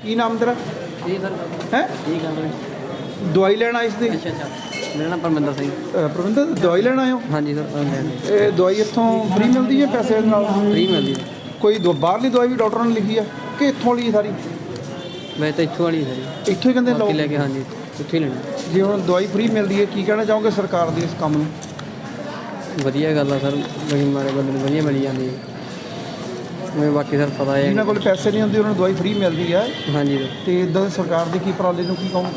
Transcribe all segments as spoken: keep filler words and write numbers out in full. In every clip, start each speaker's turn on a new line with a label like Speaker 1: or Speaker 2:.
Speaker 1: ਕੀ ਨਾਮ ਤੇਰਾ?
Speaker 2: ਜੀ ਸਰ।
Speaker 1: ਹੈ
Speaker 2: ਠੀਕ ਹੈ।
Speaker 1: ਦਵਾਈ ਲੈਣ ਆਏ ਸੀ?
Speaker 2: ਅੱਛਾ ਅੱਛਾ। ਮੇਰਾ ਨਾਮ ਪਰਮਿੰਦਰ ਸਿੰਘ।
Speaker 1: ਪ੍ਰਬੰਧਕ ਦਵਾਈ ਲੈਣ ਆਏ ਹੋ?
Speaker 2: ਹਾਂਜੀ ਸਰ।
Speaker 1: ਇਹ ਦਵਾਈ ਇੱਥੋਂ ਫ੍ਰੀ ਮਿਲਦੀ ਹੈ ਪੈਸੇ ਨਾਲ?
Speaker 2: ਫ੍ਰੀ ਮਿਲਦੀ ਹੈ।
Speaker 1: ਕੋਈ ਦੋ ਬਾਹਰਲੀ ਦਵਾਈ ਵੀ ਡਾਕਟਰਾਂ ਨੇ ਲਿਖੀ ਆ ਕਿ ਇੱਥੋਂ ਲਈ ਸਾਰੀ?
Speaker 2: ਮੈਂ ਤਾਂ ਇੱਥੋਂ ਵਾਲੀ ਸਰ।
Speaker 1: ਇੱਥੋਂ ਹੀ ਕਹਿੰਦੇ ਲਓ
Speaker 2: ਲੈ ਕੇ? ਹਾਂਜੀ ਇੱਥੋਂ ਹੀ ਲੈਣੀ।
Speaker 1: ਜੇ ਹੁਣ ਦਵਾਈ ਫ੍ਰੀ ਮਿਲਦੀ ਹੈ ਕੀ ਕਹਿਣਾ ਚਾਹੋਗੇ ਸਰਕਾਰ ਦੇ ਇਸ ਕੰਮ ਨੂੰ?
Speaker 2: ਵਧੀਆ ਗੱਲ ਆ ਸਰ, ਬੜੀ ਮਾਰੇ ਬੰਦੇ ਨੂੰ ਵਧੀਆ ਮਿਲ ਜਾਂਦੀ ਹੈ। ਮੈਨੂੰ ਬਾਕੀ ਸਰ ਪਤਾ ਹੈ
Speaker 1: ਜਿਨ੍ਹਾਂ ਕੋਲ ਪੈਸੇ ਨਹੀਂ ਹੁੰਦੇ ਉਹਨਾਂ ਨੂੰ ਦਵਾਈ ਫ੍ਰੀ ਮਿਲਦੀ ਹੈ।
Speaker 2: ਹਾਂਜੀ
Speaker 1: ਤੇ ਇੱਦਾਂ ਸਰਕਾਰ ਦੇ ਕੀ ਉਪਰਾਲੇ ਨੂੰ ਕੀ ਕਹੋਗੇ?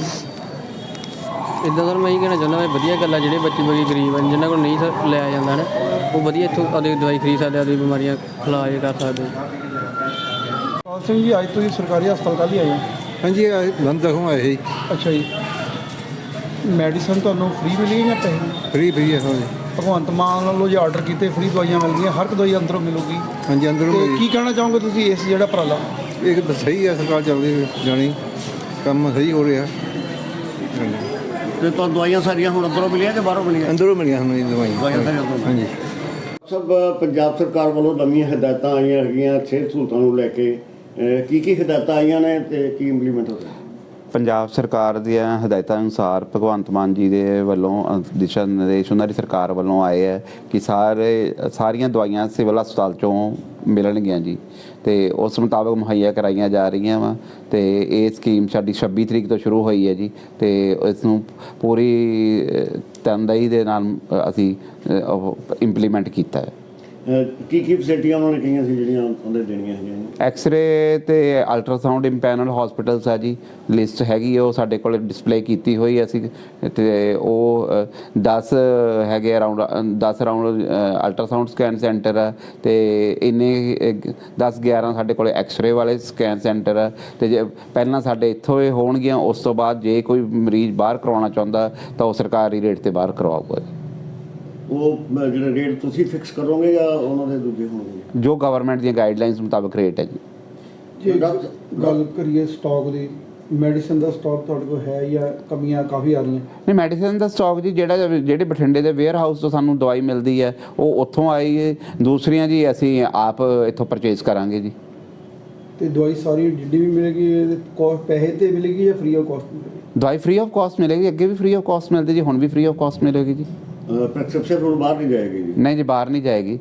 Speaker 2: ਇੱਦਾਂ ਸਰ ਮੈਂ ਇਹ ਕਹਿਣਾ ਚਾਹੁੰਦਾ ਵੀ ਵਧੀਆ ਗੱਲ ਆ, ਜਿਹੜੇ ਬੱਚੇ ਬੜੀ ਗਰੀਬ ਹਨ ਜਿਨ੍ਹਾਂ ਕੋਲ ਨਹੀਂ ਸਰ ਲਿਆ ਜਾਂਦਾ ਨਾ, ਉਹ ਵਧੀਆ ਇੱਥੋਂ ਆਪਣੀ ਦਵਾਈ ਖਰੀਦ ਸਕਦੇ, ਆਪਣੀ ਬਿਮਾਰੀਆਂ ਇਲਾਜ ਕਰ ਸਕਦੇ।
Speaker 1: ਪਾਲ ਸਿੰਘ ਜੀ, ਅੱਜ ਤੁਸੀਂ ਸਰਕਾਰੀ ਹਸਪਤਾਲ ਕੱਲ੍ਹ ਹੀ ਆਏ ਹੋ?
Speaker 3: ਹਾਂਜੀ ਬੰਦ ਦਖੋਂ ਆਏ ਸੀ।
Speaker 1: ਅੱਛਾ ਜੀ। ਮੈਡੀਸਨ ਤੁਹਾਨੂੰ ਫ੍ਰੀ ਮਿਲੀ ਜਾਂ ਪੈਸੇ?
Speaker 3: ਫ੍ਰੀ ਫ੍ਰੀ ਹੈ ਹਾਂਜੀ।
Speaker 1: ਭਗਵੰਤ ਮਾਨ ਵੱਲੋਂ ਜੇ ਆਰਡਰ ਕੀਤੇ ਫ੍ਰੀ ਦਵਾਈਆਂ ਮਿਲਦੀਆਂ, ਹਰ ਇੱਕ ਦਵਾਈ ਅੰਦਰੋਂ ਮਿਲੂਗੀ।
Speaker 3: ਹਾਂਜੀ ਅੰਦਰੋਂ
Speaker 1: ਤੇ
Speaker 3: ਮਿਲੀ।
Speaker 1: ਕੀ ਕਹਿਣਾ ਚਾਹੋਗੇ ਤੁਸੀਂ ਇਸ ਜਿਹੜਾ ਉਪਰਾਲਾ?
Speaker 3: ਇਹ ਤਾਂ ਸਹੀ ਹੈ, ਸਰਕਾਰ ਚੱਲਦੀ ਜਾਣੀ ਕੰਮ ਸਹੀ ਹੋ ਰਿਹਾ। ਹਾਂਜੀ
Speaker 4: ਤੇ ਤੁਹਾਨੂੰ ਦਵਾਈਆਂ ਸਾਰੀਆਂ ਹੁਣ ਅੰਦਰੋਂ ਮਿਲੀਆਂ ਕਿ ਬਾਹਰੋਂ ਮਿਲੀਆਂ?
Speaker 3: ਅੰਦਰੋਂ ਮਿਲੀਆਂ ਸਾਨੂੰ ਦਵਾਈਆਂ।
Speaker 4: ਦਵਾਈਆਂ ਸਾਰੀਆਂ ਅੰਦਰੋਂ।
Speaker 3: ਹਾਂਜੀ
Speaker 4: ਸਭ ਪੰਜਾਬ ਸਰਕਾਰ ਵੱਲੋਂ ਨਵੀਆਂ ਹਦਾਇਤਾਂ ਆਈਆਂ ਹੈਗੀਆਂ ਸਿਹਤ ਸਹੂਲਤਾਂ ਨੂੰ ਲੈ ਕੇ। ਅਹ ਕੀ ਕੀ ਹਦਾਇਤਾਂ ਆਈਆਂ ਨੇ ਤੇ ਕੀ ਇੰਪਲੀਮੈਂਟ ਹੋ ਰਿਹਾ?
Speaker 5: ਪੰਜਾਬ ਸਰਕਾਰ ਦੀਆਂ ਹਦਾਇਤਾਂ ਅਨੁਸਾਰ ਭਗਵੰਤ ਮਾਨ ਜੀ ਦੇ ਵੱਲੋਂ ਅ, ਦਿਸ਼ਾ ਨਿਰਦੇਸ਼ ਉਹਨਾਂ ਦੀ ਸਰਕਾਰ ਵੱਲੋਂ ਆਏ ਹੈ ਕਿ ਸਾਰੇ ਸਾਰੀਆਂ ਦਵਾਈਆਂ ਸਿਵਲ ਹਸਪਤਾਲ 'ਚੋਂ ਮਿਲਣਗੀਆਂ ਜੀ, ਅਤੇ ਉਸ ਮੁਤਾਬਕ ਮੁਹੱਈਆ ਕਰਾਈਆਂ ਜਾ ਰਹੀਆਂ ਵਾ। ਅਤੇ ਇਹ ਸਕੀਮ ਸਾਡੀ ਛੱਬੀ ਤਰੀਕ ਤੋਂ ਸ਼ੁਰੂ ਹੋਈ ਹੈ ਜੀ, ਅਤੇ ਇਸ ਨੂੰ ਪੂਰੀ ਅ, ਤਨਦੇਹੀ ਦੇ ਨਾਲ ਅ, ਅਸੀਂ ਅ, ਉਹ ਇੰਪਲੀਮੈਂਟ ਕੀਤਾ ਹੈ।
Speaker 4: ਅਹ ਕੀ ਕੀ ਫੈਸਿਲਿਟੀਆਂ ਉਹਨਾਂ ਨੇ ਕਹੀਆਂ ਸੀ ਜਿਹੜੀਆਂ ਉਹਦੇ ਦੇਣੀਆਂ ਹੈਗੀਆਂ?
Speaker 5: ਐਕਸਰੇ ਤੇ ਅਲਟਰਾਸਾਊਂਡ ਇੰਪੈਨਲ ਹਸਪੀਟਲਸ ਆ ਜੀ, ਲਿਸਟ ਹੈਗੀ ਉਹ ਸਾਡੇ ਕੋਲ ਡਿਸਪਲੇ ਕੀਤੀ ਹੋਈ ਅਸੀਂ, ਅਤੇ ਉਹ ਦਸ ਹੈਗੇ ਅਰਾਊਂਡ ਦਸ ਅਰਾਊਂਡ ਅਲਟਰਾਸਾਊਂਡ ਸਕੈਨ ਸੈਂਟਰ ਆ, ਅਤੇ ਇੰਨੇ ਦਸ ਗਿਆਰਾਂ ਸਾਡੇ ਕੋਲ ਐਕਸਰੇ ਵਾਲੇ ਸਕੈਨ ਸੈਂਟਰ ਆ। ਅਤੇ ਜੇ ਪਹਿਲਾਂ ਸਾਡੇ ਇੱਥੋਂ ਇਹ ਹੋਣਗੀਆਂ, ਉਸ ਤੋਂ ਬਾਅਦ ਜੇ ਕੋਈ ਮਰੀਜ਼ ਬਾਹਰ ਕਰਵਾਉਣਾ ਚਾਹੁੰਦਾ ਤਾਂ ਉਹ ਸਰਕਾਰੀ ਰੇਟ 'ਤੇ ਬਾਹਰ ਕਰਵਾਊਗਾ।
Speaker 4: ਉਹ ਜਿਹੜੇ ਰੇਟ ਤੁਸੀਂ ਫਿਕਸ ਕਰੋਗੇ ਜਾਂ ਉਹਨਾਂ ਦੇ ਦੂਜੇ ਹੋਣਗੇ?
Speaker 5: ਜੋ ਗਵਰਨਮੈਂਟ ਦੀਆਂ ਗਾਈਡਲਾਈਨਸ ਮੁਤਾਬਕ ਰੇਟ ਹੈ ਜੀ।
Speaker 1: ਜੇ ਗੱਲ ਕਰੀਏ ਸਟਾਕ ਦੀ, ਮੈਡੀਸਨ ਦਾ ਸਟਾਕ ਤੁਹਾਡੇ ਕੋਲ ਹੈ ਜਾਂ ਕਮੀਆਂ ਕਾਫੀ ਆ ਰਹੀਆਂ?
Speaker 5: ਨਹੀਂ, ਮੈਡੀਸਨ ਦਾ ਸਟਾਕ ਜੀ ਜਿਹੜਾ ਜਿਹੜੇ ਬਠਿੰਡੇ ਦੇ ਵੇਅਰ ਹਾਊਸ ਤੋਂ ਸਾਨੂੰ ਦਵਾਈ ਮਿਲਦੀ ਹੈ ਉਹ ਉੱਥੋਂ ਆਈ ਹੈ, ਦੂਸਰੀਆਂ ਜੀ ਅਸੀਂ ਆਪ ਇੱਥੋਂ ਪਰਚੇਜ਼ ਕਰਾਂਗੇ ਜੀ।
Speaker 1: ਤੇ ਦਵਾਈ ਸਾਰੀ ਜਿੱਡੀ ਵੀ ਮਿਲੇਗੀ ਕੋਸਟ ਪੈਸੇ ਤੇ ਮਿਲੇਗੀ ਜਾਂ ਫ੍ਰੀ ਆਫ ਕਾਸਟ ਮਿਲੇਗੀ?
Speaker 5: ਦਵਾਈ ਫ੍ਰੀ ਆਫ ਕਾਸਟ ਮਿਲੇਗੀ, ਅੱਗੇ ਵੀ ਫ੍ਰੀ ਆਫ ਕਾਸਟ ਮਿਲਦੀ ਜੀ, ਹੁਣ ਵੀ ਫ੍ਰੀ ਆਫ ਕਾਸਟ ਮਿਲੇਗੀ ਜੀ।
Speaker 4: ਪ੍ਰੈਸਕ੍ਰਿਪਸ਼ਨ ਹੁਣ ਬਾਹਰ ਨਹੀਂ ਜਾਏਗੀ ਜੀ?
Speaker 5: ਨਹੀਂ ਜੀ, ਬਾਹਰ ਨਹੀਂ ਜਾਏਗੀ।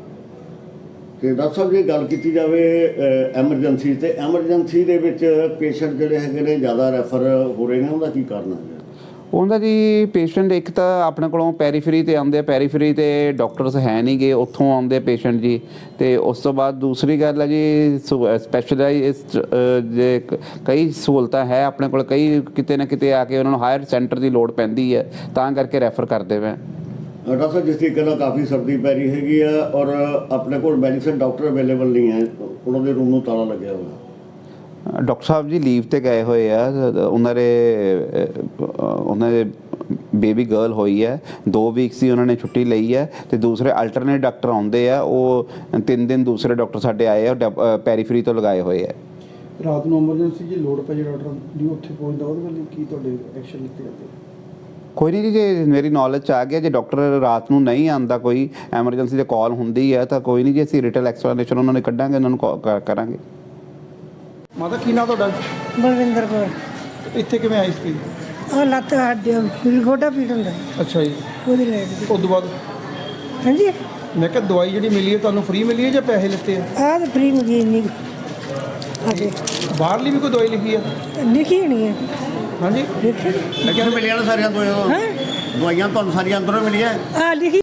Speaker 4: ਤੇ ਡਾਕਟਰ ਸਾਹਿਬ ਜੇ ਗੱਲ ਕੀਤੀ ਜਾਵੇ ਐਮਰਜੈਂਸੀ, ਤੇ ਐਮਰਜੈਂਸੀ ਦੇ ਵਿੱਚ ਪੇਸ਼ੈਂਟ ਜਿਹੜੇ ਹੈਗੇ ਨੇ ਜ਼ਿਆਦਾ ਰੈਫਰ ਹੋ ਰਹੇ ਨੇ, ਉਹਦਾ ਕੀ ਕਾਰਨ ਹੈ?
Speaker 5: ਉਹਦਾ ਜੀ ਪੇਸ਼ੈਂਟ ਇੱਕ ਤਾਂ ਆਪਣੇ ਕੋਲੋਂ ਪੈਰੀਫਰੀ 'ਤੇ ਆਉਂਦੇ ਆ, ਪੈਰੀਫਰੀ 'ਤੇ ਡਾਕਟਰਸ ਹੈ ਨਹੀਂ ਗੇ, ਉੱਥੋਂ ਆਉਂਦੇ ਪੇਸ਼ੈਂਟ ਜੀ। ਅਤੇ ਉਸ ਤੋਂ ਬਾਅਦ ਦੂਸਰੀ ਗੱਲ ਹੈ ਜੀ ਸਪੈਸ਼ਲਾਈਜ਼ਡ ਜੇ ਕਈ ਸਹੂਲਤਾਂ ਹੈ ਆਪਣੇ ਕੋਲ, ਕਈ ਕਿਤੇ ਨਾ ਕਿਤੇ ਆ ਕੇ ਉਹਨਾਂ ਨੂੰ ਹਾਇਰ ਸੈਂਟਰ ਦੀ ਲੋੜ ਪੈਂਦੀ ਹੈ, ਤਾਂ ਕਰਕੇ ਰੈਫਰ ਕਰਦੇ ਵੇ।
Speaker 4: ਡਾਕਟਰ ਸਾਹਿਬ ਜਿਸ ਤਰੀਕੇ ਨਾਲ ਕਾਫੀ ਸਰਦੀ ਪੈ ਰਹੀ ਹੈਗੀ ਆ ਔਰ ਆਪਣੇ ਕੋਲ ਮੈਡੀਸਨ ਡਾਕਟਰ ਅਵੇਲੇਬਲ ਨਹੀਂ ਹੈ, ਉਹਨਾਂ ਦੇ ਰੂਮ ਨੂੰ ਤਾਲਾ ਲੱਗਿਆ ਹੋਇਆ।
Speaker 5: ਡਾਕਟਰ ਸਾਹਿਬ ਜੀ ਲੀਵ 'ਤੇ ਗਏ ਹੋਏ ਆ, ਉਹਨਾਂ ਦੇ ਉਹਨਾਂ ਦੇ ਬੇਬੀ ਗਰਲ ਹੋਈ ਹੈ, ਦੋ ਵੀਕਸ ਦੀ ਉਹਨਾਂ ਨੇ ਛੁੱਟੀ ਲਈ ਹੈ, ਅਤੇ ਦੂਸਰੇ ਅਲਟਰਨੇਟ ਡਾਕਟਰ ਆਉਂਦੇ ਆ, ਉਹ ਤਿੰਨ ਦਿਨ ਦੂਸਰੇ ਡਾਕਟਰ ਸਾਡੇ ਆਏ ਆ ਪੈਰੀਫਰੀ ਤੋਂ ਲਗਾਏ ਹੋਏ ਆ।
Speaker 1: ਰਾਤ ਨੂੰ ਐਮਰਜੈਂਸੀ ਜੇ ਲੋੜ ਪੈ ਜੇ ਡਾਕਟਰ ਦੀ ਉੱਥੇ ਪਹੁੰਚਦਾ, ਉਹਦੇ ਵੱਲ ਕੀ ਤੁਹਾਡੇ ਐਕਸ਼ਨ ਲਿੱਤੇ ਜਾਂਦੇ?
Speaker 5: ਕੋਈ ਨਹੀਂ ਜੀ, ਜੇ ਮੇਰੀ ਨੌਲੇਜ 'ਚ ਆ ਗਿਆ, ਜੇ ਡਾਕਟਰ ਰਾਤ ਨੂੰ ਨਹੀਂ ਆਉਂਦਾ, ਕੋਈ ਐਮਰਜੈਂਸੀ ਦੇ ਕਾਲ ਹੁੰਦੀ ਹੈ ਤਾਂ ਕੋਈ ਨਹੀਂ ਜੀ, ਅਸੀਂ ਰਿਟਲ ਐਕਸਪਲੇਨੇਸ਼ਨ ਉਹਨਾਂ ਨੂੰ ਕੱਢਾਂਗੇ, ਉਹਨਾਂ ਨੂੰ ਕਰਾਂਗੇ।
Speaker 1: ਮਾਤਾ ਕੀ ਨਾਂ ਤੁਹਾਡਾ?
Speaker 6: ਬਲਵਿੰਦਰ ਕੌਰ।
Speaker 1: ਇੱਥੇ ਕਿਵੇਂ ਆਈ ਸੀ?
Speaker 6: ਉਹ ਲੱਤ ਹੱਡੀ ਪੀੜ, ਗੋਡਾ ਪੀੜ ਹੁੰਦਾ।
Speaker 1: ਅੱਛਾ ਜੀ।
Speaker 6: ਉਹਦੀ ਲੈ
Speaker 1: ਉਸ ਤੋਂ ਬਾਅਦ
Speaker 6: ਹਾਂਜੀ,
Speaker 1: ਮੈਂ ਕਿਹਾ ਦਵਾਈ ਜਿਹੜੀ ਮਿਲੀ ਹੈ ਤੁਹਾਨੂੰ ਫ੍ਰੀ ਮਿਲੀ ਹੈ ਜਾਂ ਪੈਸੇ ਲਿੱਤੇ ਆ?
Speaker 6: ਆਹ ਤਾਂ ਫ੍ਰੀ ਮਿਲੀ ਨਹੀਂ ਅਜੇ।
Speaker 1: ਬਾਹਰਲੀ ਵੀ ਕੋਈ ਦਵਾਈ ਲਿਖੀ ਆ?
Speaker 6: ਲਿਖੀ ਨਹੀਂ ਹੈ।
Speaker 1: ਹਾਂਜੀ
Speaker 6: ਲਿਖੀ
Speaker 4: ਲੇਕਿਨ ਮਿਲੀਆਂ ਨੇ ਸਾਰੀਆਂ ਦਵਾਈਆਂ?
Speaker 6: ਹੈ
Speaker 4: ਦਵਾਈਆਂ ਤੁਹਾਨੂੰ ਸਾਰੀਆਂ ਅੰਦਰੋਂ ਮਿਲੀਆਂ?
Speaker 6: ਆ